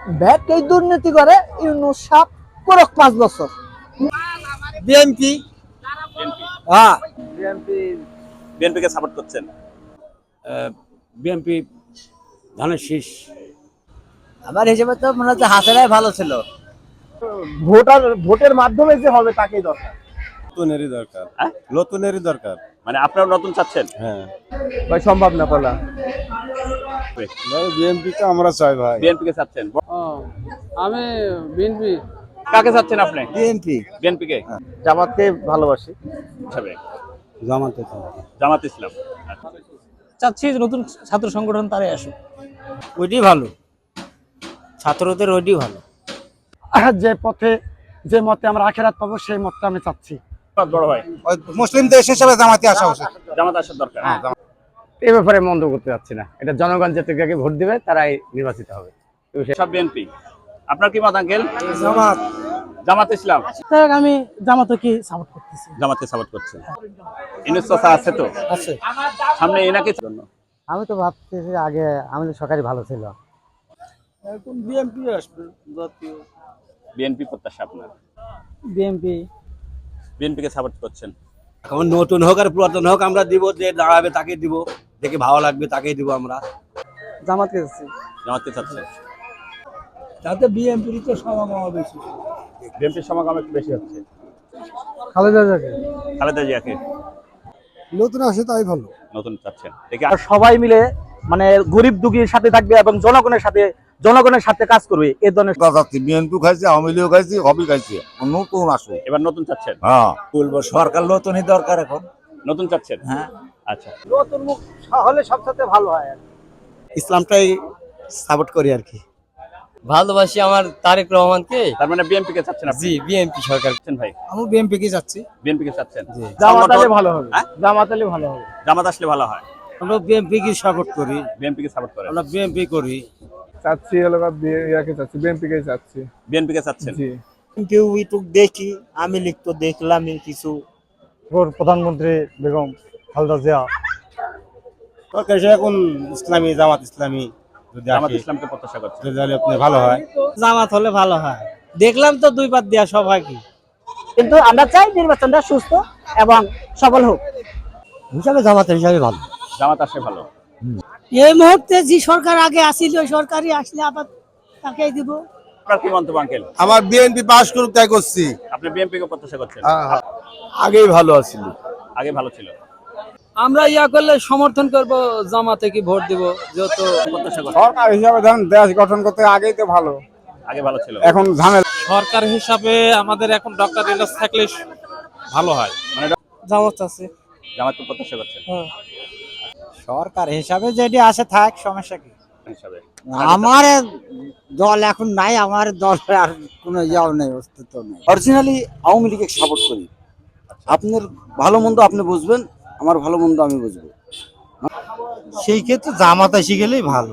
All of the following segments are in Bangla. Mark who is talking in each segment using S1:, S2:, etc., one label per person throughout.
S1: ব্যাংকেই দুর্নীতি করে ইউনূস সাহেব করক 5 বছর।
S2: বিএনপি।
S3: বিএনপি
S2: হ্যাঁ
S3: বিএনপি কে সাপোর্ট করছেন?
S2: বিএনপি ধানের শীষ।
S1: আমার হিসেবে তো মনে হচ্ছে হাসিনাই ভালো ছিল।
S4: ভোটের মাধ্যমে যে হবে তাকেই দরকার।
S2: নতুনেরই দরকার।
S3: হ্যাঁ?
S2: নতুনেরই দরকার।
S3: মানে আপনারা নতুন চাচ্ছেন?
S2: হ্যাঁ
S4: ভাই সম্ভব না বলা।
S2: বিএনপি তো আমরা চাই ভাই।
S3: বিএনপি কে চাচ্ছেন?
S5: আমি বিএনপি।
S3: কাকে চাচ্ছেন আপনি?
S2: বিএনপি।
S3: বিএনপি কে
S4: জামাতকে ভালোবাসি।
S3: হিসাবে
S2: জামাতে
S3: জামাত ইসলাম। আচ্ছা।
S1: চাচ্ছি নতুন ছাত্র সংগঠন তারাই আসুক।
S2: ওইটাই ভালো, ছাত্রদের ওইটাই ভালো।
S4: যে পথে যে মতে আমরা আখেরাত পাবো সেই মতটা আমি চাচ্ছি।
S3: বড় ভাই
S2: মুসলিম দেশ হিসেবে জামাতে আসা উচিত।
S3: জামাত আসার দরকার।
S4: এই ব্যাপারে মন্দ করতে যাচ্ছি না, এটা জনগণ যাকে ভোট দিবে তারাই নির্বাচিত হবে।
S3: সব বিএনপি। আপনার কি মত আঙ্কেল?
S2: জামাত।
S3: জামাত ইসলাম।
S1: আমি জামাতকে সাপোর্ট করতেছি।
S3: জামাতকে সাপোর্ট করছেন। ইউনূস চাচা আছে তো?
S1: আছে।
S3: সামনে এনাকে জন্য
S1: আমি তো ভাবতেছি আগে আমাদের সরকারি ভালো ছিল।
S2: এখন বিএনপি আসবে জাতীয়।
S3: বিএনপি প্রত্যাশা আপনার?
S1: বিএনপি।
S3: বিএনপি কে সাপোর্ট করছেন?
S2: এখন নতুন হোক আর পুরাতন হোক আমরা দিব, যে দাঁড়াবে তাকে দিব, দেখে ভালো লাগবে তাকেই দিব আমরা।
S1: জামাতকে চাচ্ছি।
S3: জামাতকে চাচ্ছেন?
S2: তাতে বিএনপির তো সমাগম বেশি।
S3: বিএনপির সমাগম একটু বেশি হচ্ছে।
S1: খালেদা জিয়াকে।
S3: খালেদা জিয়াকে
S2: নতুন আসে তাই ভালো।
S3: নতুন চাচ্ছেন? দেখি
S4: সবাই মিলে মানে গরিব দুঃখীর সাথে থাকবে এবং জনগণের সাথে কাজ করবে এই ধরনের।
S6: বিএনপি খাইছে, আওয়ামী লীগ খাইছে, হবি খাইছে, নতুন আসো।
S3: এবার নতুন চাচ্ছেন?
S6: হ্যাঁ
S2: বলবো সরকার নতুনই দরকার এখন।
S3: নতুন চাচ্ছেন?
S2: হ্যাঁ
S3: আচ্ছা।
S4: নতুন মুখ হলে সবচেয়ে ভালো হয়।
S2: ইসলামটাই সাপোর্ট করি আর কি।
S5: ভালোবাসি আমার তারেক রহমানকে।
S3: তার মানে বিএনপি কে চাচ্ছেন আপনি?
S5: জি বিএনপি সরকার।
S3: চাচ্ছেন ভাই?
S2: আমি বিএনপি কি যাচ্ছি।
S3: বিএনপি কে চাচ্ছেন?
S4: জামাত আলে ভালো হবে।
S3: হ্যাঁ?
S4: জামাত আলে ভালো হবে।
S3: জামাত আসলে ভালো হয়।
S2: আমরা বিএনপি কি সাপোর্ট করি।
S3: বিএনপি কে সাপোর্ট করেন?
S2: আমরা বিএনপি করি।
S4: চাচ্ছি হলো ইয়াকে চাচ্ছি, বিএনপি কে চাচ্ছি।
S3: বিএনপি কে চাচ্ছেন?
S4: জি।
S2: কেউ একটু দেখি, আমি লিখ তো দেখলাম কিছু।
S4: প্রধানমন্ত্রী বেগম খালেদা জিয়া।
S2: সরকার এখন ইসলামী, জামাত ইসলামী যদি
S3: জামাত
S2: আসে,
S3: ইসলামকে প্রত্যাশা করছেন?
S2: যদি আপনি ভালো হয়।
S1: জামাত হলে ভালো হয়। দেখলাম তো 2 পাত দেয়া সবাই কি। কিন্তু আমরা চাই নির্বাচনটা সুস্থ এবং সফল হোক।
S2: হিসাবে জামাতের হিসাবে ভালো।
S3: জামাত আসলে ভালো।
S1: এই মুহূর্তে যে সরকার আগে আসিল ওই সরকারই আসলে আবার তাকেই দিব।
S3: আপনার কি মন্তব্য আঙ্কেল?
S6: আমার বিএনপি পাস করুক তাই করছি।
S3: আপনি বিএনপি কে প্রত্যাশা করছেন?
S6: আগেই ভালো আছিল।
S3: আগে ভালো ছিল।
S5: আমরা করলে সমর্থন করব, জামাতে কি ভোট দিব যেহেতু
S3: প্রত্যাশা করছেন?
S4: সরকার হিসাবে ধরেন দেশ গঠন করতে আগেই তো ভালো,
S3: আগে ভালো ছিল।
S4: এখন ঝামেলা।
S5: সরকার হিসাবে আমাদের এখন ডক্টর ইউনূস থাকলে ভালো হয়।
S3: মানে
S1: জামাত আছে।
S3: জামাতকে প্রত্যাশা করছেন?
S1: সরকার হিসাবে যেটি আসে থাক, সমস্যা কি।
S3: হিসাবে
S1: আমার দল এখন নাই, আমার দল আর কোনো ইয়াও নেই, অস্তিত্ব নেই।
S2: অরিজিনালি আওয়ামী লীগকে সাপোর্ট করি। আপনার ভালো মন্দ আপনি বুঝবেন, আমার ভালো মন্দ আমি বুঝবো। সেই ক্ষেত্রে জামাত এসে গেলেই ভালো।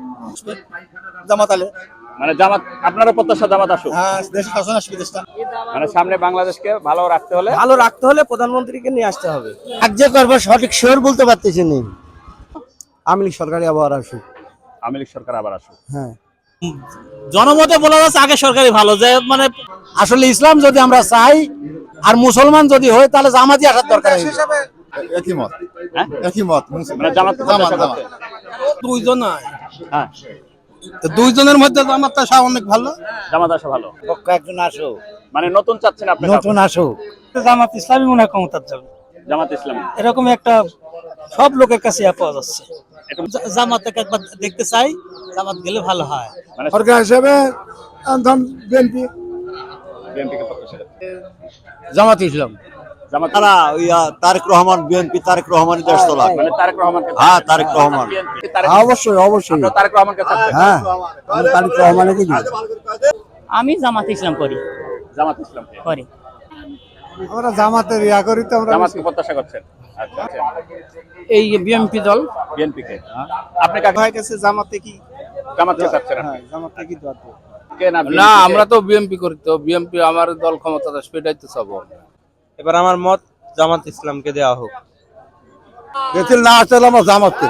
S2: জামাত আলে
S3: মানে জামাত আপনারও প্রত্যাশা জামাত আসুক?
S2: দেশ শাসন আসবে দেশটা
S3: মানে সামনে বাংলাদেশকে ভালো রাখতে হলে
S2: ভালো রাখতে হলে প্রধানমন্ত্রীকে নিয়ে আসতে হবে। কার্য করবো সঠিক শিওর বলতে পারতেছি না। আওয়ামী লীগ সরকারি আবার আসুক।
S3: আওয়ামী লীগ সরকার আবার আসুক।
S2: হ্যাঁ
S1: জনমতে বলা যাচ্ছে আগে সরকারি ভালো, যে মানে
S2: আসলে ইসলাম যদি আমরা চাই আর মুসলমান যদি হয় তাহলে জামাতই আসার দরকার।
S6: একই মত।
S3: হ্যাঁ?
S6: একই মত।
S3: মানে জামাতকে প্রত্যাশা করছেন?
S2: দুইজন
S3: হ্যাঁ,
S2: দুইজনের মধ্যে জামাত আসা অনেক ভালো।
S3: জামাত আসা ভালো।
S2: একজন আসো,
S3: মানে নতুন চাচ্ছেন আপনি?
S2: নতুন আসো।
S1: জামাত ইসলামী মনে হয় ক্ষমতার জন্য
S3: জামাত ইসলামী
S1: এরকম একটা সব লোকের কাছে পাওয়া যাচ্ছে।
S3: এটা
S1: জামাতকে একবার দেখতে চাই, জামাত গেলে ভালো হয়।
S3: মানে
S6: সরকার হিসেবে বিএনপি।
S3: বিএনপি কে প্রত্যাশা করছেন?
S2: জামাত ইসলাম।
S3: জামাত
S2: তারা তারেক রহমান, বিএনপি তারেক রহমানের দেশ তোলা।
S3: মানে তারেক রহমানকে?
S2: হ্যাঁ, তারেক রহমান।
S3: বিএনপি তারেক,
S2: অবশ্যই অবশ্যই।
S3: আপনারা তারেক রহমানকে চাচ্ছেন?
S2: হ্যাঁ, আমি তারেক রহমানকে দিই।
S1: আমি জামাত ইসলাম করি।
S3: জামাত ইসলামকে
S1: করি।
S4: আমরা জামাতের ইয়া করি তো আমরা।
S3: জামাতকে প্রত্যাশা করছেন? আচ্ছা।
S1: এই বিএনপি দল।
S3: বিএনপি কে আপনি কাকে?
S4: হয়ে গেছে জামাতে কি,
S3: জামাতকে চাচ্ছেন আপনি?
S4: জামাতে কি দরকার।
S3: কে না
S5: না, আমরা তো বিএনপি করি, তো বিএনপি আমার দল ক্ষমতা আসবে এটাই তো চাবো।
S7: এবার আমার মত জামাত ইসলামকে দেওয়া হোক।
S6: বেতিল না আসলে আমরা জামাত করবো।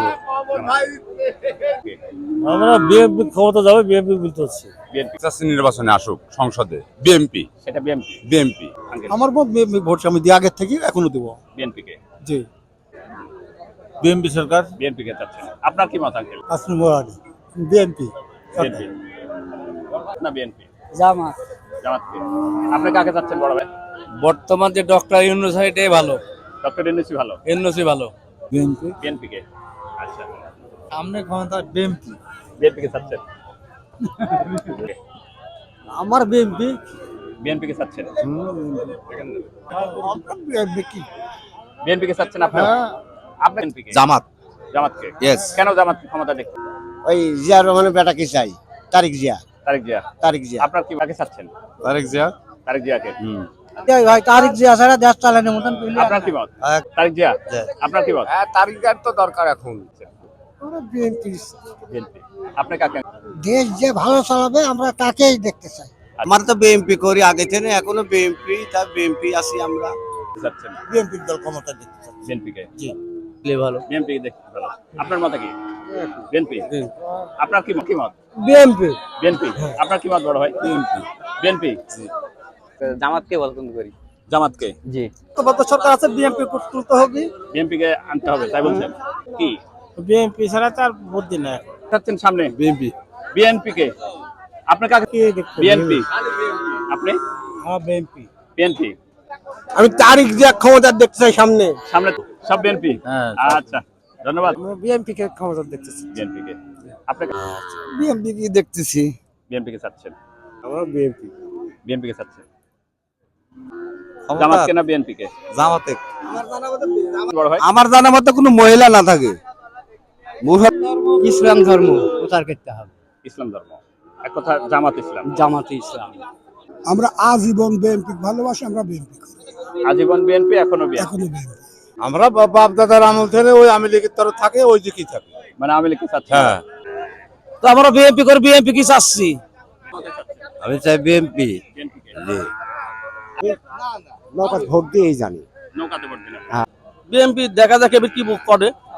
S7: আমরা বিএনপি ক্ষমতা যাবে, বিএনপি বলতেছি।
S3: বিএনপি
S6: নির্বাচনে আসুক সংসদে বিএমপি
S3: সেটা বিএনপি।
S6: বিএমপি
S2: আমার ভোট আমি দিয়ে আগের থেকে এখনো দেবো।
S3: বিএনপি কে
S2: জি
S7: বিএনপি সরকার।
S3: বিএনপি কে চাচ্ছেন। আপনার কি মত আঙ্কেল?
S2: আসমি মোরানি বিএনপি
S3: বিএনপি না বিএনপি?
S5: জামাত।
S3: জামাত কে? আপনি কাকে চাচ্ছেন বড় ভাই?
S5: বর্তমান যে ডক্টর ইউনূস এটাই ভালো,
S3: ডক্টর ইউনূসই ভালো।
S5: ইউনূসই ভালো।
S2: বিএনপি
S3: বিএনপি কে? আচ্ছা,
S2: সামনে ক্ষমতা বিএনপি।
S3: বিএনপি কে চাচ্ছেন?
S2: আমার বিএনপি।
S3: বিএনপি কে চাচ্ছেন?
S2: বিএনপি কি
S3: বিএনপি কে চাচ্ছেন আপনি? আপনি বিএনপি কে?
S2: জামাত।
S3: জামাত কে?
S2: Yes.
S3: কেন জামাত ক্ষমতা দেখতে?
S2: ওই জিয়া রহমানের বেটাকে চাই, তারিক জিয়া।
S3: তারেক জিয়া।
S2: তারিক জিয়া
S3: আপনার কি কাকে চাচ্ছেন?
S6: তারেক জিয়া
S3: তারেক জিয়াকে।
S2: ভাই তারিক জিয়া ছাড়া দেশ চালানোর মতন
S3: আপনার কি মত? তারেক জিয়া। আপনার কি মত?
S6: তারেক জিয়ার তো দরকার এখন।
S2: বিএনপি।
S3: বিএনপি। আপনি কাকে?
S2: দেশ যে ভালো চালাবে আমরা তাকেই দেখতে চাই। আমার তো বিএনপি করি আগে থেকে, এখনো বিএনপি, তার বিএনপি আছি আমরা।
S3: চাচ্ছেন
S2: বিএনপি দল ক্ষমতা দেখতে চাই।
S3: বিএনপি কে?
S2: জি
S5: ভালো।
S3: বিএনপি কে দেখতে ভালো। আপনার মত কি? বিএনপি। আপনার কি মত?
S2: বিএনপি।
S3: বিএনপি। আপনার কি মত বড় ভাই? বিএনপি। বিএনপি।
S5: জামাতকে পছন্দ করি।
S3: জামাত কে?
S5: জি।
S2: তো সরকার আছে, বিএনপি তুলতে হবে।
S3: বিএনপি কে আনতে হবে তাই বলছেন? কি
S7: বিএনপি ছাড়া তার বুদ্ধি নাই।
S3: চাচ্ছেন সামনে?
S6: বিএমপি
S3: বিএনপি কে? আপনি কাকে? বিএনপি। আপনি?
S7: হ্যাঁ বিএনপি।
S3: বিএনপি।
S2: আমি তারিক জিয়া ক্ষমতা দেখতে চাই সামনে।
S3: সামনে সব বিএনপি। আচ্ছা, ধন্যবাদ।
S2: বিএনপি কে ক্ষমতা দেখতেছি।
S3: বিএনপি কে? আপনি
S2: বিএনপি কি দেখতেছি।
S3: বিএনপি কে চাচ্ছেন?
S2: আমরা বিএনপি।
S3: বিএনপি কে চাচ্ছেন? জামাত কে না বিএনপি কে?
S2: জামাতে।
S3: বড় ভাই
S2: আমার জানা মতে কোনো মহিলা না থাকে।
S5: ইসলাম ধর্ম প্রচার করতে হবে।
S3: ইসলাম ধর্ম। এক কথা জামাত ইসলাম।
S5: জামাতে ইসলাম।
S2: আমরা আজীবন বিএনপি ভালোবাসি, আমরা বিএনপি করি।
S3: আজীবন বিএনপি, এখনো বিএনপি।
S2: এখনো বিএনপি।
S6: আমরা বাপ দাদার আমল থেকে ওই আওয়ামী লীগের তরফ থাকে ওই দিকেই থাকে।
S3: মানে আওয়ামী লীগকে চাচ্ছেন?
S6: হ্যাঁ
S5: তো আমরা বিএনপি করে, বিএনপি কি চাচ্ছি?
S2: আমি চাই বিএনপি।
S3: বিএনপি কে?
S2: জি নৌকা ভোট দিয়েই জানি।
S3: নৌকাতে ভোট দিলেন।
S5: বিএনপি দেখা যাক এবার কি করে।